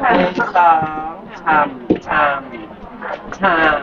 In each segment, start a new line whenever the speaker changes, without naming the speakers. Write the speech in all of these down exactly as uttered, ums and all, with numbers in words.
หนึ่งสองชามชามชาม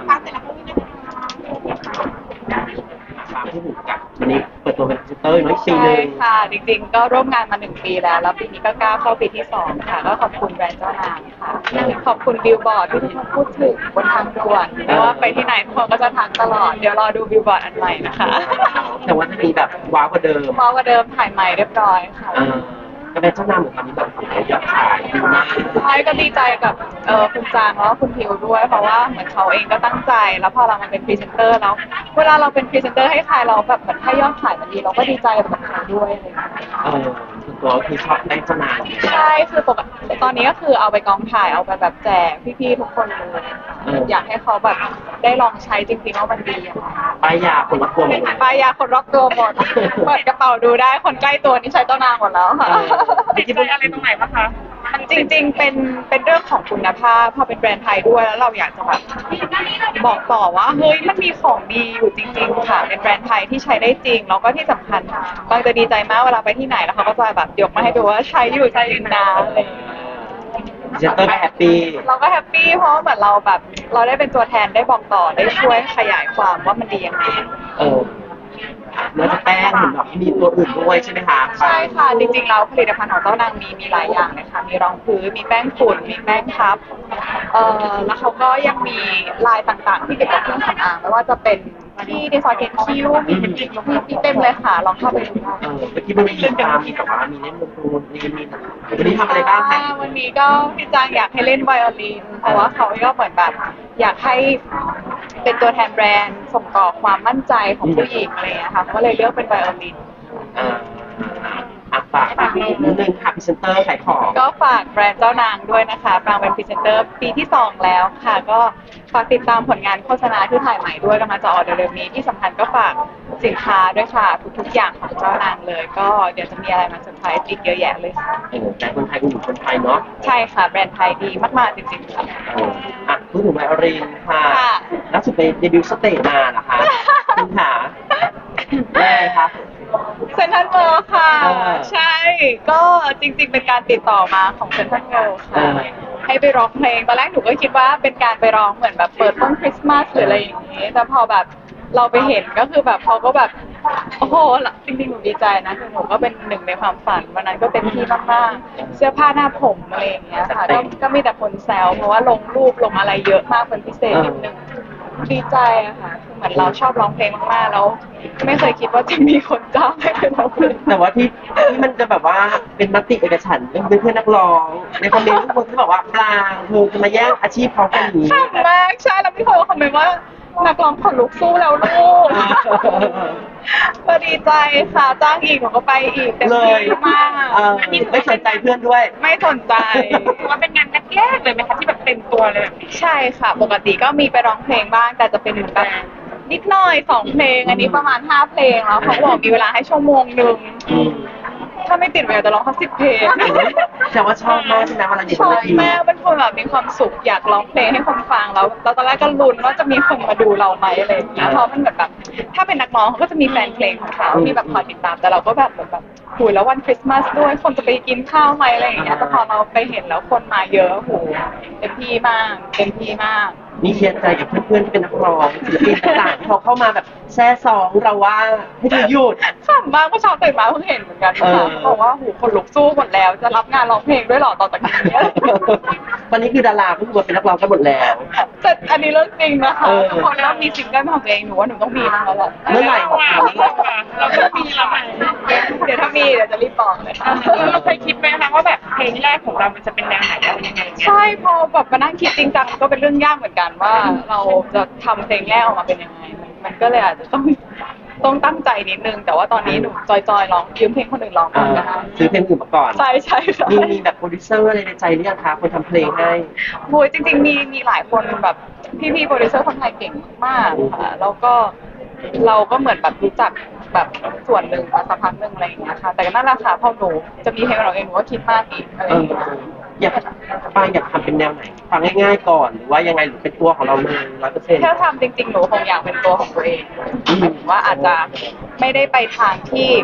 ชามที่หูกัดวันนี้เปิดตัวเป็นพรีเซนเตอร์น้อยปีห
ใช่
นึ่ง
ค่ะจริงๆก็ร่วมงานมาหนึ่งปีแล้วแล้วปีนี้ก็ก้าวเข้าปีที่สองค่ะก็ขอบคุณแบรนด์เจ้านางค่ะขอบคุณบิลบอร์ดที่ทุกคนพูดถึงบนทางด่วนไม่ว่าไปที่ไหนทุกคนก็จะทักตลอดเดี๋ยวรอดูบิลบอร์ดอันใหม่นะคะ
แต่ว่าจะมีแบบว้าวกว่าเดิม
พอกว่าเดิมถ่ายใหม่เรียบร้อยค่ะ
เออก็เป็นเจ้านางเหมือนกันนี่แบบยอดขายดีมาก
ใช่ก็ดีใจกับเออคุณจางแล้วก็คุณพิวด้วยเพราะว่าเหมือนเขาเองก็ตั้งใจแล้วพอเรามาเป็นพรีเซนเตอร์แล้วเวลาเราเป็นพรีเซนเตอร์ให้ใครเราแบบเหมือนถ้ายอดขายมันดีเราก็ดีใจกับเขาด้วยอะไรอย่างเงี้ย
เออส่วนตัวก็คือชอบได้เจ้านางอยู่แล้ว
ใช่คือปกติตอนนี้ก็คือเอาไปกองถ่ายเอาไปแบบแจกพี่ๆทุกคนเลยอยากให้เขาแบบได้ลองใช้จริงๆว่ามันดีอะค่ะ
ป้ายยาคนละตัวหมดเลย
ปายาคนรอบตัวหมดเปิดกระเป๋าดูได้คนใกล้ตัวนี่ใช้เจ้านางหมดแล้วค่ะ
ติดใจอะไรตรงไหนบ้างคะ
จริงๆ เป็นเป็นเรื่องของคุณภาพพอเป็นแบรนด์ไทยด้วยแล้วเราอยากจะแบบบอกต่อว่าเฮ้ยมันมีของดีอยู่จริงๆค่ะเป็นแบรนด์ไทยที่ใช้ได้จริงแล้วก็ที่สำคัญบางจะดีใจมากเวลาไปที่ไหนแล้วเขาก็จะแบบยกมาให้ดูว่าใช้อยู่ใช้อยู่นะอะไรอย่างเงี้ย
พรีเซนเตอร์ก็แฮปปี้
เราก็แฮปปี้เพราะเหมือนเราแบบเราได้เป็นตัวแทนได้บอกต่อได้ช่วยขยายความว่ามันดียังไง
เออแล้วจะแป้งเห็นแบบมีตัวอื่นด้วยใช่ไหมคะ
ใช่ค่ะจริงๆแล้วผลิตภัณฑ์ของเจ้านางมีมีหลายอย่างเลยค่ะมีรองพื้นมีแป้งฝุ่นมีแป้งพับเอ่อแล้วเขาก็ยังมีลายต่างๆ ที่เกี่ยวกับเครื่องสำอางไม่ว่าจะเป็นที่ดีไซน์เกนคิ้วมีมีเต็มเลยค่ะลองเข้าไปดูได้
เออเมื่อกี้มันมีตามมีแบบว่ามีเล่นดนตรีมีมีวันนี้ทำอะไรบ้างคะ
วันนี้ก็พี่จางอยากให้เล่นไวโอลินเพราะว่าเขาก็เหมือนแบบอยากให้เป็นตัวแทนแบรนด์ส่งต่อความมั่นใจของผู้หญิงอะไรอย่างเงี้ยค่ะก็เลยเลือกเป็นไวโอลิน
อ่าอ่ะฝากนิดนึงค่ะพรีเซนเตอร์ขายของ
ก็ฝากแบรนด์เจ้านางด้วยนะคะปรางเป็นพรีเซนเตอร์ปีที่สองแล้วค่ะ ก็ฝากติดตามผลงานโฆษณาที่ถ่ายใหม่ด้วยกำลังจะออกเร็วๆนี้ที่สำคัญก็ฝากสินค้าด้วยค่ะทุกๆอย่างของเจ้านางเลย ก็เดี๋ยวจะมีอะไรมาเซอร์ไพรส์อีกเยอะแยะเลยค่ะ
เออแต่คนไทยก็อยู่คนไทยเนาะ
ใช่ค่ะแบรนด์ไทยดีมากๆจริงๆค่ะ
เอออ่ะพูดถึงไวโอลินค่ะ
ค่ะ
ล่าสุดไปเดบิวต์สเตจมาเหรอคะคุณขาได้ไงคะ
เซนทรัลเวิลด์ค่ะ
เออ
ใช่ ก็จริงๆเป็นการติดต่อมาของเซนทรัลเวิลด์ค่ะ
เออ
ให้ไปร้องเพลงตอนแรกหนูก็คิดว่าเป็นการไปร้องเหมือนแบบเปิดต้นคริสต์มาสหรืออะไรอย่างนี้ แต่พอแบบเราไปเห็นก็คือแบบเขาก็แบบโอ้โหจริงๆหนูดีใจนะคือหนูก็เป็นหนึ่งในความฝันวันนั้นก็เต็มที่มากๆเสื้อผ้าหน้าผมอะไรอย่างเงี้ยค่ะก็ก็มีแต่คนแซวเพราะว่าลงรูปลงอะไรเยอะมากเป็นพิเศษนิดนึงดีใจอะค่ะคือเหมือนเราชอบร้องเพลงมากๆแล้วไม่เคยคิดว่าจะมีคนจ้างให้ไปร้องเพลง
แต่ว่าที่ที่มันจะแบบว่าเป็นมติเอกฉันท์เป็นเพื่อนนักร้องในคอมเมนต์ทุกคนที่บอกว่าปลางเธอจะมาแย่งอาชีพเขากันอย่างนี้
ขำมากใช่แล้วพี่โทรคอมเมนต์ว่านักร้องขนลุกสู้แล้วลูกก็ดีใจค่ะจ้างอีกหนูก็ไปอีกเต็ม
เลย
ที่มาก
เออไม่สนใจเพื่อนด้วย
ไม่สนใจ
ถือว่าเป็นงานแรกๆเลยไหมคะที่แบบเต็มตัวเลยแบบนี้
ใช่ค่ะ ปกติก็มีไปร้องเพลงบ้าง แต่จะเป็นเหมือนแบบนิดหน่อยสองเพลง อันนี้ประมาณห้าเพลงแล้วเขาบอกมีเวลาให้ชั่วโมงหนึ่ง
อืม
ถ้าไม่ติดเวลาจะร้องแค่สิบเพลง
แต่ว่าชอบมากใช่ไหมเวลาอยู่
ช
บน
อ
เว
บ
ที
มากเป็นคนแบบมีความสุขอยากร้องเพลงให้คนฟังแล้วแล้วตอนแรกก็ลุ้นว่าจะมีคนมาดูเราไหมอะไรอย่างเงี้ยเพราะมันเหมือนแบบถ้าเป็นนักร้องเขาก็จะมีแฟนเพลงของเขาที่แบบคอยติดตามแต่เราก็แบบเหมือนแบบคุยแล้ววันคริสต์มาสด้วยคนจะไปกินข้าวไหมอะไรอย่างเงี้ยแต่พอเราไปเห็นแล้วคนมาเยอะโหเต็มที่มากเต็มที่มาก
นี่เคลียร์ใจกับเพื่อนๆที่เป็นนักร้องศิลปินต่างๆที่เขาเข้ามาแบบแซ่ซองเราว่าให้เธอหยุด
ขำมากเมื่อเช้าตื่นมาเพิ่งเห็นเหมือนกัน
เอ
ค่ะ
อ
บอกว่าโหคนลุกสู้หมดแล้วจะรับงานร้องเพลงด้วยเหรอต่อจากนี้
ตอนนี้คือดาราทุกคนเป็นนักร้องกันหมดแล้ว
แต่อันนี้เรื่องจริงนะคะ
เออ
ทุกคนเริ่มมีซิงเกิลของตัวเองหนูว่าหนูต้องมีบ้างแล้วแหละ
เมื่อไหร่
เราอะเราก็มีเราอะ
เดี๋ยวถ้ามีเดี๋ยวจะรีบบอกเลยค่ะ
เราเคยคิดไหมคะว่าแบบเพลงแรกของเรามันจะเป็นแนวไหนอะไรยังไงเนี่ย
ใช่พอแบบมานั่งคิดจริงจังก็เป็นเรื่องยากเหมือนกันว่าเราจะทำเพลงแรกออกมาเป็นยังไงมันมันก็เลยอาจจะต้องต้องตั้งใจนิดนึง แต่ว่าตอนนี้หนูจอยๆร้องยืมเพลงคนอื่นร้องก่
อ่า
อนนะคะ
ซื้อเพลงอื่นมาก่อน
ใช่ใช่ค่ะ
มีมีแบบโปรดิวเซอร์อะไรในใจหรือยังคะคนทำเพลงให้
โอ้ยจริงๆมีมีหลายคนแบบพี่ๆโปรดิวเซอร์คนไทยเก่งมากค่ะแล้วก็เราก็เหมือนแบบรู้จักแบบส่วนหนึ่งมาสักพักหนึ่งอะไรอย่างเงี้ยค่ะแต่ก็นั่นแหละค่ะพอหนูจะมีเพลงของเราเองหนูก็คิดมากอีกอะไร
เอ
อย่าง
อ
เงี้ย
อยากปางอยากทำเป็นแนวไหนฟังง่ายๆก่อนหรือว่ายังไงหรือเป็นตัวของเราเลยร้อยเปอร์เซ็นต์
ถ้าทำจริงๆหนูคงอยากเป็นตัวของตัวเองหมายถึงว่าอาจจะไม่ได้ไปทางที่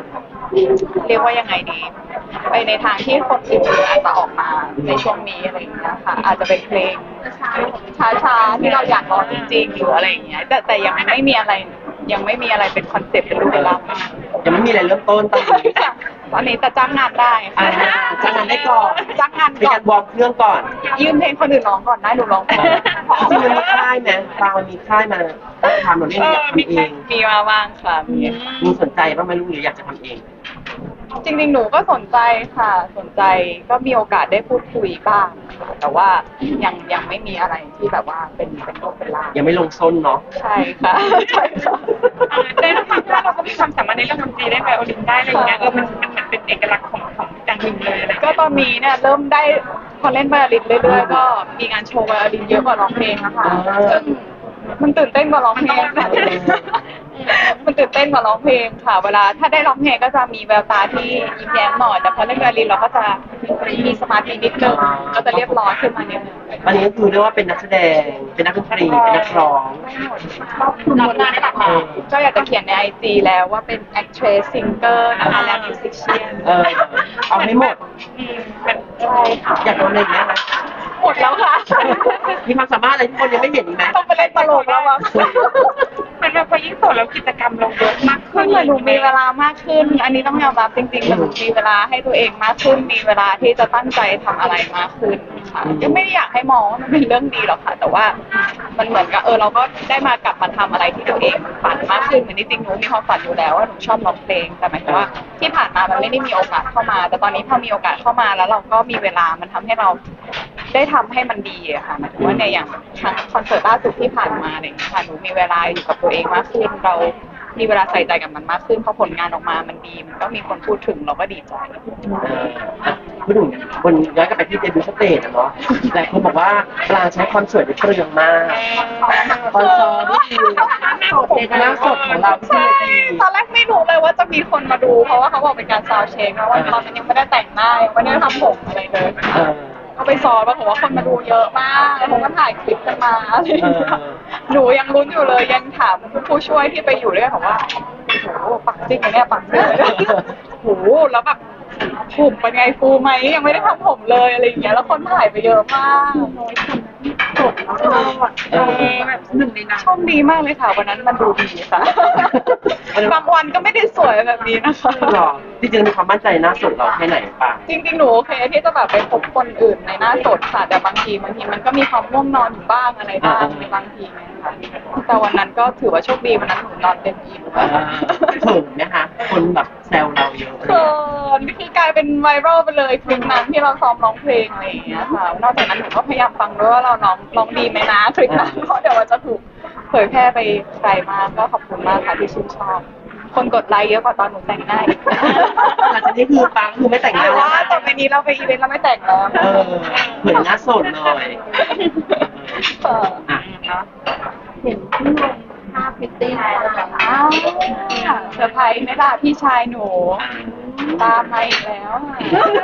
เรียกว่ายังไงดี ไปในทางที่คนอื่นๆอาจจะออกมาในช่วงนี้อะไรอย่างเงี้ยค่ะ อาจจะเป็นเพลงช้าๆที่เราอยากร้องจริงๆหรืออะไรอย่างเงี้ยแต่แต่ยังไม่มีอะไรยังไม่มีอะไรเป็นคอนเซ็ปต์เป็นรูปเป็นร่างมาก
ยังไม่มีอะไรเริ่มต้นตอนนี้
ตอนนี้แต่จ้างงานได้
อ่า
ค่ะ
จ้างงานได้ก่อน
จ้างงาน
มี
ก่อ
กาน รวอร์มเครื่องก่อน
ยืมเพลงคนอื่นร้องก่อนได้หนูร้องก่อน
จริงๆมันมีค่ายไหมฟางมันมีค่ายมาทำหนูเล่นอยากทำเอง
มีมาบ้างค่ะมี
มีสนใจบ้างไหมลูกหรืออยากจะทำเอง
จริงๆหนูก็สนใจค่ะ สนใจก็มีโอกาสได้พูดคุยบ้างค่ะแต่ว่ายังยังไม่มีอะไรที่แบบว่าเป็นเป็นรูปเป็นร่าง
ยังไม่ลงส้นเนาะ
ใช่ค่ะใช่ค่ะ
ในเรื่องความว่าเราก็มีความสามารถในเรื่องดนตรีได้ไวโอลินได้อะไรอย่างเงี้ยเออมันมันมันเป็นเอกลักษณ์ของของจังหวินเลยอะไร
ก็ตอนนี้เนี่ยเริ่มได้พอเล่นไวโอลินเรื่อยๆก็มีงานโชว์ไวโอลินเยอะกว่าร้องเพลงนะคะซึ่งมันตื่นเต้นกว่าร้องเพลง มันตื่นเต้นกว่าร้องเพลงค่ะ เวลาถ้าได้ร้องเพลงก็จะมีแววตาที่ยิ้มแย้มหน่อยแต่พอเล่นไวโอลินเราก็จะมีสมาธินิดนึงก็จะเรียบร้อยขึ้นมานิดนึง
วันนี้ก็คือเรียกว่าเป็นนักแสดง เป็นนักดนตรี เป็นนักร้อง
รับงานได้หลากหลาย
ก็อยากจะเขียนในไอจีแล้วว่าเป็น actress singer นะคะและ musician
เออ เอาให้หมด
อืมมัน
ใช่ค่ะ
อยากทำอะไรอีกไหมคะ
หมดแล้วค่ะ
มีความสามารถอะไรที่คนยังไม่เห็นอีกไหม
ต้องไปเล่นตลกแล้วมั้ง
มันแบบพอยิ่งโสดแล้วกิจกรรมเราเยอะมาก
คื
ขึ้
อน เหมือนหนูมีเวลามากขึ้น อันนี้ต้องยอมรับจริงๆเหมือนหนูมีเวลาให้ตัวเองมากขึ้น มีเวลาที่จะตั้งใจทำอะไรมากขึ้นค่ะก็ไม่ได้อยากให้มองว่ามันเป็นเรื่องดีหรอกค่ะ แต่ว่ามันเหมือนกับเออเราก็ได้มากลับมาทำอะไรที่ตัวเองฝันมากขึ้นเหมือนที่จริงหนูมีความฝันอยู่แล้วว่าหนูชอบร้องเพลง แต่หมายถึงว่าที่ผ่านมามันไม่ได้มีโอกาสเข้ามา แต่ตอนนี้พอมีโอกาสเข้ามาแล้วเราก็มีเวลา มันทำให้เราได้ทำให้มันดีอะค่ะหมายถึงว่าในอย่างครั้งคอนเสิร์ตล่าสุดที่ผ่านมาอะไรอย่างเงี้ยค่ะหนูมีเวลาอยู่กับตัวเองมากขึ้น เรามีเวลาใส่ใจกับมันมากขึ้นพอผลงานออกมามันดี มันก็มีคนพูดถึงเราก็ดีใจ
เอออ่ะพูดถึงวันย้อนกลับไปที่เดบิวต์สเตจอะเนาะหลายคนบอกว่าปลางใช้ความสวยได้เปลืองมากคอนซอร์นี่คือหน้าสดของเราที่
ใช่
เวที
ตอนแรกไม่รู้เลยว่าจะมีคนมาดู เพราะว่าเขาบอกเป็นการซาวด์เช็คนะว่าตอนนั้นยังไม่ได้แต่งหน้ายังไม่ได้ทำผมอะไรเลย
เออ
ก็ไปซ้อมปรากฏว่าคนมาดูเยอะมากแล้วเขาก็ถ่ายคลิปกันมาอะไรอย่างเงี้ย
เออ
หนูยังลุ้นอยู่เลยยังถามผู้ช่วยที่ไปอยู่ด้วยบอกว่าโอ้โหปักจริงไหมเนี่ยปักจริงไหมเนี่ยโอ้โหแล้วแบบผมเป็นไงฟูไหมยังไม่ได้ทำผมเลยอะไรอย่างเงี้ยแล้วคนถ่ายไปเยอะมากน้อยคนจบแล้วก็
เออแบบหนึ่งในนั้น
โชคดีมากเลยค่ะวันนั้นมันดูดีค่ะ บางวันก็ไม่ได้สวยแบบนี้นะคะ
หรอจริงๆมีความมั่นใจหน้าสดเราแค่ไหนป่ะ
จริงๆ หนูโอเคที่จะแบบไปพบคนอื่นในหน้าสดค่ะ แต่บางทีบางทีมันก็มีความง่วงนอนอยู่บ้างอะไรบ้าง
อ่า
ในบางทีนะคะแต่วันนั้นก็ถือว่าโชคดีวันนั้นหนูนอนเต็มอิ่ม
เออเขินไหมคะคนแบบแซวเราเยอะอะไร
เขิ
เงี้ย
นนี่คือกลายเป็นไวรัลไปเลยคลิปนั้นที่เราซ้อมร้องเพลงอะไรอย่างเงี้ยค่ะ นอกจากนั้นหนูก็พยายามฟังด้วยว่าเราร้องร้องดีไหมนะคลิปนั้นเพราะเดี๋ยวมันจะถูกเผยแพร่ไปไกลมากก็ขอบคุณมากค่ะที่ชื่นชอบ คนกดไลค์เยอะกว่าตอนหนูแต่งหน้าอีก
หลังจากนี้คือปังคือไม่แต่งห
แต่
น้า
ว่า
แล้ว
ต่อไปนี้เราไปอีเวนต์เราไม่แต่งแล้ว
เออเหมือนหน้าสดเลย
เออ
อ่ะ
เห็นที่ลงภาพพิตตี้อ้าวเซอร์ไพรส์ไหมล่ะพี่ชายหนู ตามมาอีกแล้วอะ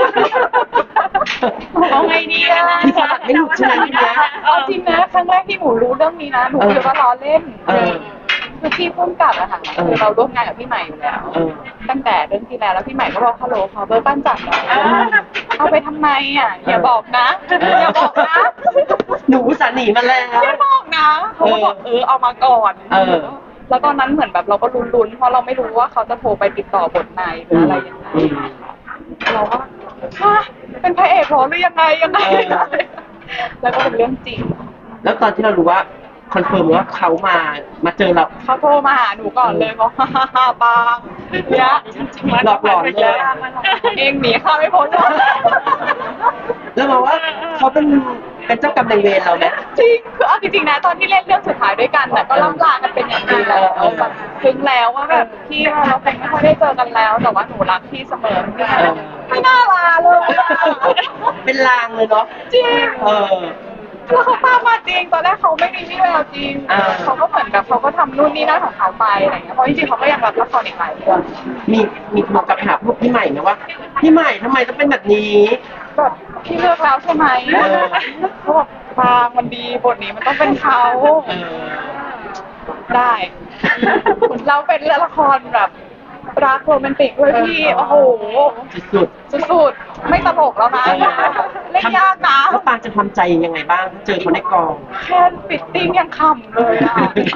เอาไงดีอะ
พี่สลัดไม่หลุดใช่ไหมทีเนี้ย
เอาจริงนะครั้งแรกที่หนูรู้เรื่องนี้นะหนูคิดว่าล้อเล่น
เออ
คือพี่พุ่มกับอะค่ะ
เออ
คือเราร่วมงานกับพี่ใหม่อยู่แล้ว
เออ
ตั้งแต่เรื่องที่แล้วแล้วพี่ใหม่ก็บอกฮัลโหลขอเบอร์ปั้นจัดหน่อยเอาไปทำไมอ่ะอย่าบอกนะอย่าบอกนะ
หนูอุตสาห์หนีมาแล้ว
อย่าบอกนะเขาก็บอกเออเอามาก่อน
เออ
แล้วตอนนั้นเหมือนแบบเราก็ลุ้นๆเพราะเราไม่รู้ว่าเขาจะโทรไปติดต่อบทไหนหรืออะไรยังไง
อืม
เราก็ฮะเป็นพระเอกเหรอหรือยังไงยังไง
เออ
แล้วก็เป็นเรื่องจริง
แล้วตอนที่เรารู้ว่าคอนเฟิร์มว่าเขามามาเจอเรา
เขาโทรมาหาหนูก่อนเลยบอกฮ่าฮ่าฮ่าบางเนี่ย
หลอกหลอนเลย
เองหนีข้าไม่พ้นหรอก
แล้วมาว่าเขาเป็นเป็นเจ้ากรรมนายเวรเราไหม
จริงคือเอาจริงๆนะตอนที่เล่นเรื่องสุดท้ายด้วยกันน่ะก็ล่ำลากันเป็นอย่างดีแล้ว
เออ
แบบถึงแล้วว่าแบบพี่เราคงไม่ค่อยได้เจอกันแล้ว แต่ว่าหนูรักพี่เสมอ
เออ
ไม่น่าลาเลยอะ
เป็นลางเลยเนาะ
จริง
เออ
แล้วเขาตามมาจริง ตอนแรกเขาไม่มีวี่แววจริง
อ่า
เขาก็เหมือนกับเขาก็ทำนู่นนี่นั่นของเขาไปอะไรเงี้ย เพราะจริงๆเขาก็ยังรับละครอีกหลายเรื่อง
มีมีโทรกลับไปหาพวกพี่ใหม่ไหมว่า พี่ใหม่ทำไมต้องเป็นแบบนี้
แบบพี่เลือกแล้วใช่ไหม
เออ
เขาบอกบางมันดีบทนี้มันต้องเป็นเขา
เออ
ได้ เราเป็นละครแบบรักโรแมนติกด้วยพี่โอ้โห
สุด
สุดๆไม่ตลกแล้วนะ
ๆเออ
เล่นยากนะ
แล้วปางจะทำใจยังไงบ้างถ้าเจอเขาในกอง
แค่ฟิตติ้งยังขำเลยอ่ะ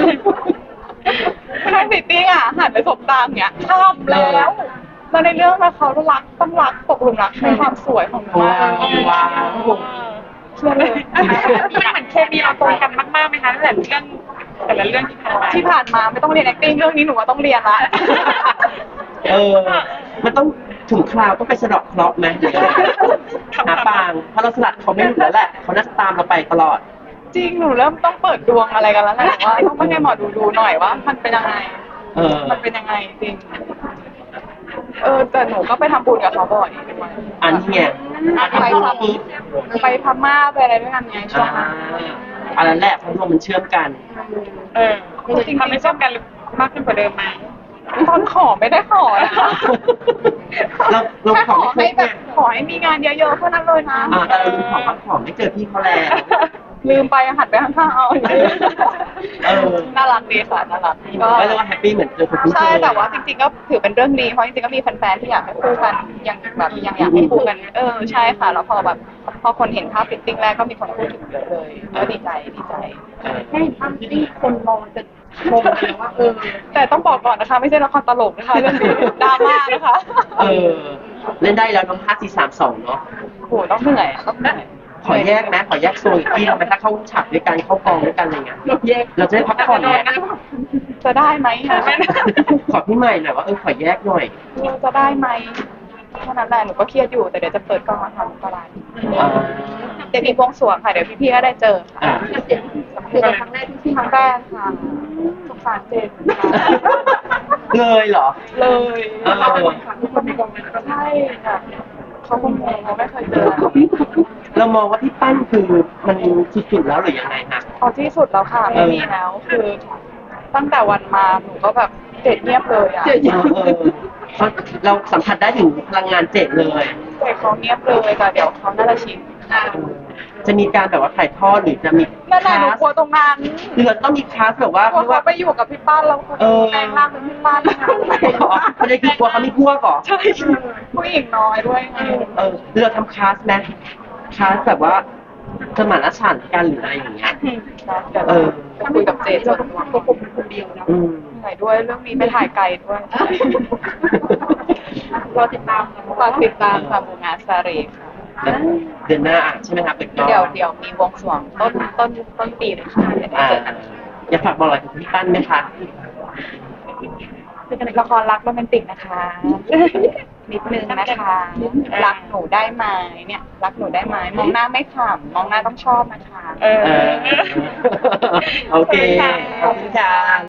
แค่ฟิตติ้งอ่ะหันไปสบตาอย่างเงี้ยขำแล้วแล้วในเรื่องนะเขารักต้องรักตกหลุมรักในความสวยของหนูมาก
ว้าว
เชื่อเลย
มันเหมือนเคมีเราตรงกันมากๆไหมคะตั้งแต่เรื่องแต่ละเรื่องที่ผ่านมา
ที่ผ่านมาไม่ต้องเรียน acting เรื่องนี้หนูว่าต้องเรียนละ
เออ มันต้องถึงคราวต้องไปสะเดอกเคราะห์ไหมหรืออะไรหาปางเพราะเราสลัดเขาไม่หลุดแล้วแหละเขาน่าจะตามเราไปตลอด
จริงหนูเริ่มต้องเปิดดวงอะไรกันแล้วแหละว่าต้องไปให้หมอดูดูหน่อยว่า มันเป็นยังไง
เออ
มันเป็นยังไงจริง เออแต่หนูก็ไปทำบุญกับเขาบ่อยด้วย
อันนี้ไง
ไป
ทำบุญ
ท
ปุ๊บ
ำไปพม่าไปอะไรด้วยกันไงช่ว
อ่าง
นั้น
อันนั้นแหละเพราะดวงมันเชื่อมกัน
เออจริงๆทำให้ชอบกันมากขึ้นกว่าเดิมไหม
ตอนขอไม่ได้ขอนะ
เราเรา
แค่
ข
ข
อ
อ
ไม่
ให้
ครบ
แบ
ไง
บขอให้มีงานเยอะๆเท่านั้นเลยนะ
อ่าแต่เราลืมของพักผ่อนไม่เจอพี่เขาแล้ว
ลืมไปหันไปข้างๆเอา
เออ
น่ารักดีค่ะน่ารักก็
ก็เรียกว่าแฮปปี้เหมือนเจอคนคุ้นเค
ใช่
ย
แต่ว่าจริงๆก็ถือเป็นเรื่องดีเพราะจริงๆก็มีแฟนๆที่อยากให้คู่กันยังแบบยังอยากให้คู่กันเออใช่ค่ะแล้วพอแบบพอคนเห็นภาพฟิตติ้งแรกก็มีคนพูดถึงเยอะเลยก็ดีใจดีใจ
เออ
ให้ทำที่คนมองจะชมเลยว่าเออ
แต่ต้องบอกก่อนนะคะไม่ใช่ละครตลกนะคะเรื่องนี้ดราม่านะคะ
เออ เล่นได้แล้วน้องห้าสี่สามสองเนาะ
โหต้องเหนื่อยต้องเหนื่อย
ขอแยกนะขอแยกโซนอีกที่เราไหมถ้าเข้าฉากด้วยกันเข้ากองด้วยกันอะไรเงี้ยเราจะได้พักผ่อนเนี่ย
จะได้ไหมคะ
ขอพี่ใหม่หน่อยว่าเออขอแยกหน่อย
จะได้ไหมแค่นั้นแหละหนูก็เครียดอยู่แต่เดี๋ยวจะเปิดกล้องมาทำตลาด
อ่า
เดี๋ยวมีบวงสรวงค่ะเดี๋ยวพี่ๆก็ได้เจอค่ะ
อ่า
คือครั้งแรกที่ที่ครั้งแรกค่ะสงสารเจนค่ะ
เลยเหรอ
เลย
เออ
ใช่ค่ะเขาคงงงเขาไม่เคยเจอ
เรามองว่าพี่ปั้นคือมันสุดๆแล้วหรือยังไงฮะ
เอาที่สุดแล้วค่ะไม่มีแล้วคือ ตั้งแต่วันมาหนูก็แบบเจ็ดเงียบเลยอ่ะ
เออเออเพราะเราสัมผัสได้ถึงพลังงานเจ็ดเลย
เจ็ดเขาเงียบเลยแต่เดี๋ยวเขาน่าจะชิน
จะมีการแบบว่าถ่ายทอดหรือจะมี
นั่นแหละหนูกลัวตรงนั้น
หรือเราต้องมีคลาสแบบว่าก
ลัว
เรียก
เขา
ว่า
ไปอยู่กับพี่ป้านแล้วเขา
เออ
แปลงร่างเป็นพี่ป้าน
อ๋อไม่ได้คือกลัวเขามีพวกเหรอ
ใช่ผู้หญิงน้อยด้วยไง
เออหรือเราทำคลาสไหมคลาสแบบว่าสมานฉันท์กันหรืออะไรอย่างเงี้ย
เดี๋ยว
เออ
จะคุยกับเจนส่วนตัว
ผมคนเดียวนะ
อืม
เหนื่อยด้วยเรื่องนี้ไปถ่ายไกลด้วย
รอติดตาม
ฝากติดตามค่ะบูงาซาเรค่ะ
เดือนหน้าอ่ะใช่ไหมครับเป็นกล้อง
เดี๋ยวเดี๋ยวมีวงสรวงต้นต้นต้นปีเลยค่ะเดี๋ยวได้
อ่า
เจอกัน
อยากฝากบอกอะไรถึงพี่ปั้นไหมคะ
เป็นละครรักโรแมนติกนะคะ นิดนึงนะคะ รักหนูได้ไหมเนี่ย รักหนูได้ไหมมองหน้าไม่ขำมองหน้าต้องชอบนะคะ
เออ
เออโอเคขอบคุณค่ะ